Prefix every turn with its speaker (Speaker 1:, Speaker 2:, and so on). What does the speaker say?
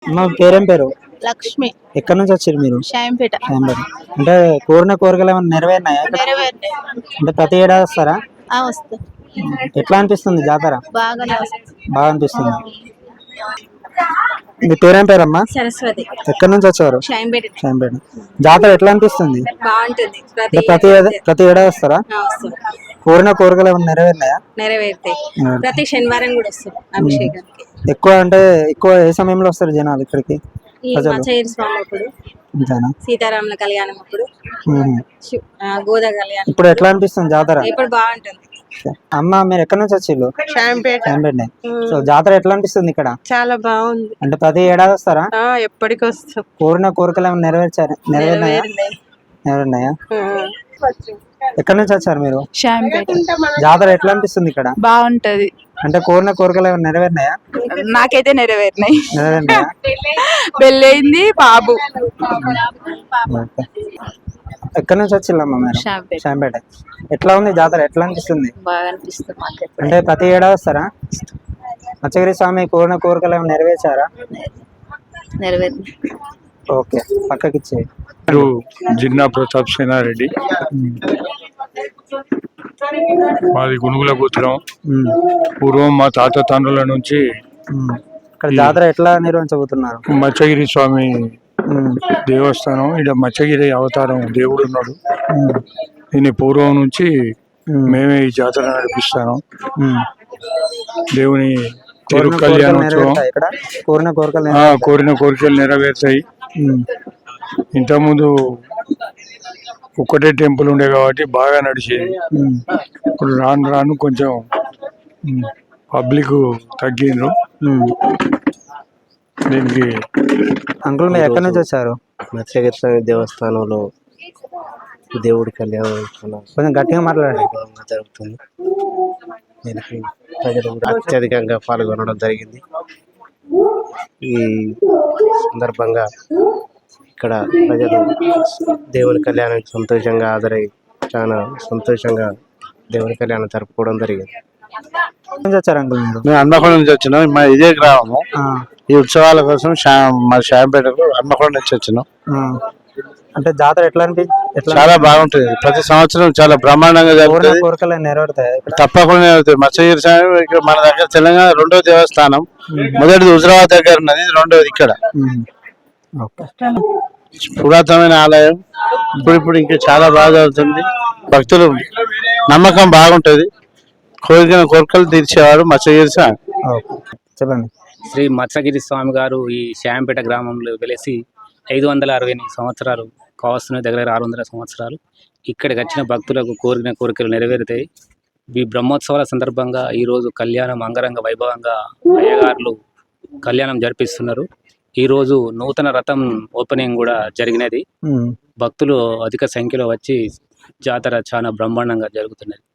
Speaker 1: అమ్మ పేరేం పేరు?
Speaker 2: లక్ష్మి.
Speaker 1: ఎక్కడి నుంచి వచ్చారు మీరు?
Speaker 2: షాంపేట.
Speaker 1: శాంబర్. అంటే కోరిన కోరికలు ఏమైనా నెరవేరినాయా ఇక్కడ?
Speaker 2: నెరవేరినాయి.
Speaker 1: అంటే ప్రతి ఏడాది వస్తారా?
Speaker 2: వస్తా.
Speaker 1: ఎట్లా అనిపిస్తుంది జాతర?
Speaker 2: బాగానే వస్తుంది.
Speaker 1: బాగా అనిపిస్తుంది. మీ పేరేం పేరమ్మా?
Speaker 2: సరస్వతి.
Speaker 1: ఎక్కడి నుంచి వచ్చారు?
Speaker 2: షాంపేట.
Speaker 1: శాంబేట. జాతర ఎట్లా అనిపిస్తుంది?
Speaker 2: బాగుంటుంది.
Speaker 1: అంటే ప్రతి ఏడాది వస్తారా? కోరిన కోరికలు ఏమైనా నెరవేరినాయా?
Speaker 2: నెరవేరుతాయి. ప్రతి శనివారం కూడా వస్తారు అభిషేకానికి.
Speaker 1: ఎక్కువ ఏ సమయంలో వస్తారు జనాలు ఇక్కడికి?
Speaker 2: మచ్చగిరి స్వామి అప్పుడు, సీతారాముల కళ్యాణం అప్పుడు, గోదా కళ్యాణం.
Speaker 1: ఇప్పుడు ఎట్లా అనిపిస్తుంది జాతర?
Speaker 2: ఇప్పుడు బాగుంటుంది.
Speaker 1: అమ్మ మీరు ఎక్కడి నుంచి వచ్చిళ్ళు?
Speaker 2: షాంపేట.
Speaker 1: సో జాతర ఎట్లా అనిపిస్తుంది ఇక్కడ?
Speaker 2: చాలా బాగుంది.
Speaker 1: అంటే ప్రతి ఏడాది వస్తారా?
Speaker 2: ఎప్పటికి వస్తాం.
Speaker 1: కోరిన కోరికలు ఏమైనా నెరవేరినాయా? ఎక్కడి నుంచి వచ్చారు మీరు?
Speaker 2: షాంపేట.
Speaker 1: జాతర ఎట్లా అనిపిస్తుంది ఇక్కడ?
Speaker 2: బాగుంటది.
Speaker 1: అంటే కోరిన కోరికలు ఏమైనా నెరవేరినాయా?
Speaker 2: నాకైతే నెరవేరినాయి. పెళ్ళయింది బాబు.
Speaker 1: ఎక్కడి నుంచి వచ్చిల్లమ్మా మీరు? షాంపేట. ఎట్లా ఉంది జాతర? ఎట్లా అనిపిస్తుంది?
Speaker 2: బాగా అనిపిస్తుంది.
Speaker 1: అంటే ప్రతి ఏడాది వస్తారా? మచ్చగిరి స్వామి కోరిన కోరికలు ఏమైనా నెరవేర్చారా?
Speaker 2: నెరవేరింది.
Speaker 1: ఓకే, పక్కకిచ్చే.
Speaker 3: జిన్నా ప్రతాప్ సేనారెడ్డి. మాది గునుగుల గోత్రం. పూర్వం మా తాత తండ్రుల నుంచి
Speaker 1: ఇక్కడ జాతర ఎట్లా నిర్వహించబోతున్నారు?
Speaker 3: మచ్చగిరి స్వామి దేవస్థానం. ఇక్కడ మచ్చగిరి అవతారం దేవుడు ఉన్నాడు. దీని పూర్వం నుంచి మేమే ఈ జాతర నడిపిస్తాను. దేవుని తిరు కళ్యాణోత్సవం. కోరిన కోరికలు నెరవేరుతాయి. ఇంతకుముందు ఒక్కటే టెంపుల్ ఉండే కాబట్టి బాగా నడిచేది. ఇప్పుడు రాను రాను కొంచెం పబ్లిక్ తగ్గిండ్రు. దీనికి
Speaker 1: అంకుల్ మీరు ఎక్కడి నుంచి వచ్చారు?
Speaker 4: మత్స్యగిరి స్వామి దేవస్థానంలో దేవుడి కళ్యాణం
Speaker 1: కొంచెం గట్టిగా మాట్లాడండి.
Speaker 4: జరుగుతుంది. దీనికి ప్రజలు అత్యధికంగా పాల్గొనడం జరిగింది. ఈ సందర్భంగా ఇక్కడ ప్రజలు దేవుని కళ్యాణానికి సంతోషంగా హాజరై చాలా సంతోషంగా దేవుని కళ్యాణం జరుపుకోవడం జరిగింది.
Speaker 1: వచ్చారు అంకుల్ మీరు?
Speaker 4: మేము హన్మకొండ నుంచి వచ్చినాం. మా ఇదే గ్రామము. ఈ ఉత్సవాల కోసం మా షాంపేటకు హన్మకొండ నుంచి వచ్చినాం.
Speaker 1: అంటే జాతర ఎట్లా
Speaker 4: చాలా బాగుంటుంది. ప్రతి సంవత్సరం చాలా బ్రహ్మాండంగా జరుగుతుంది.
Speaker 1: కోరికలు నెరవేరుతాయి?
Speaker 4: తప్పకుండా నెరవేరుతాయి. మత్స్యగిరి స్వామి మన దగ్గర తెలంగాణ రెండో దేవస్థానం. మొదటిది హుజరాబాద్ దగ్గర ఉన్నది, రెండోది ఇక్కడ. పురాతనమైన ఆలయం. ఇప్పుడు ఇంకా చాలా బాగా జరుగుతుంది. భక్తులు నమ్మకం బాగుంటది. కోరికలు తీర్చేవారు మత్స్యగిరి స్వామి.
Speaker 1: చెప్పండి.
Speaker 5: శ్రీ మత్స్యగిరి స్వామి గారు ఈ శాంపేట గ్రామంలో వెలిసి 568 సంవత్సరాలు కావస్తున్నాయి. దగ్గర 600 సంవత్సరాలు. ఇక్కడికి వచ్చిన భక్తులకు కోరిన కోరికలు నెరవేరుతాయి. ఈ బ్రహ్మోత్సవాల సందర్భంగా ఈరోజు కళ్యాణం అంగరంగ వైభవంగా అయ్యగారులు కళ్యాణం జరిపిస్తున్నారు. ఈరోజు నూతన రథం ఓపెనింగ్ కూడా జరిగినది. భక్తులు అధిక సంఖ్యలో వచ్చి జాతర చాలా బ్రహ్మాండంగా జరుగుతున్నది.